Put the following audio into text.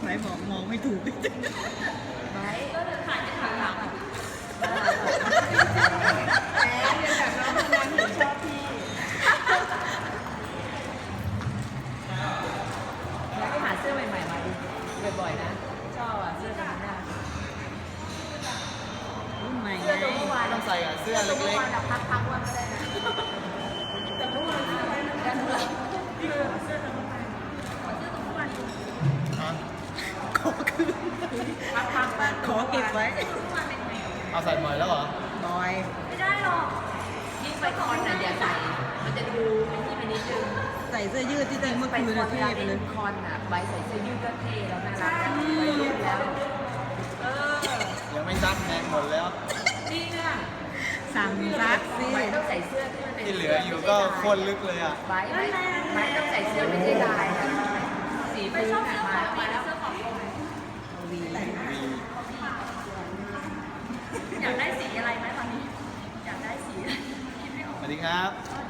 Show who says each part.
Speaker 1: ไว้บอกมองไม่ถูก
Speaker 2: ไว้ก็จะถ่ายจะถ่ายหลังอ่ะแหมเรียนแบบน้องคนนั้นชอบพี่แล้วก็หาเสื้อใหม่ๆมาดูบ่อยๆนะชอบอ่ะเสื้อตัวนี้
Speaker 1: รุ่นใหม่ไง
Speaker 2: เสื้อตัวเมื่อวาน
Speaker 3: ต้องใส่กับเสื้อเล็ก
Speaker 2: เมื่อวานเราพักว่าไม่ได้นะแต่เมื่อวานเสื้ออะไรนะกันหลังเสื้อตัวเมื่อวานเสื้อตัวเมื่อวาน
Speaker 3: ๆอ่ะ
Speaker 1: ขอคืน
Speaker 2: พักบ้าง
Speaker 1: ขอเก็บไว้
Speaker 3: เอาใส่ใหม่แล้วเหรอ
Speaker 1: บอย
Speaker 2: ไม่ได้หรอกยิ่งไปคอนน่ะอย่าใส่มันจะดูเป็นที่เป็นนิดนึง
Speaker 1: ใส่เสื้อยืดที่จริงเมื่อ
Speaker 2: ไป
Speaker 1: คืน
Speaker 2: คอ
Speaker 1: นะ
Speaker 2: น
Speaker 1: เท่
Speaker 2: เวลา
Speaker 1: ไป
Speaker 2: ไป
Speaker 1: เล
Speaker 2: เล่
Speaker 1: ย
Speaker 2: นคอนน่ะใบใส่เสื้อยืดก็เท่แล้วน่ารักไปรุ่นแล้ว
Speaker 3: ยังไม่ซักแมงหมดแล้ว
Speaker 2: จริงอ่ะ
Speaker 1: สั่งซักสิ
Speaker 2: ใบต้องใส่เสื้อที่มันเป็น
Speaker 3: ที่เหลืออยู่ก็โคตรลึกเลยอ่ะ
Speaker 2: ใบต้องใส่เสื้อไม่ใช่ลายอ่ะสีพื้นอ่ะมาแล้วเสื้อของ
Speaker 1: วี
Speaker 2: อยากได้สีอะไรไหมตอนนี้อยากได้สีคิดไม่ออก
Speaker 3: สวัสดีครับ
Speaker 2: สวัส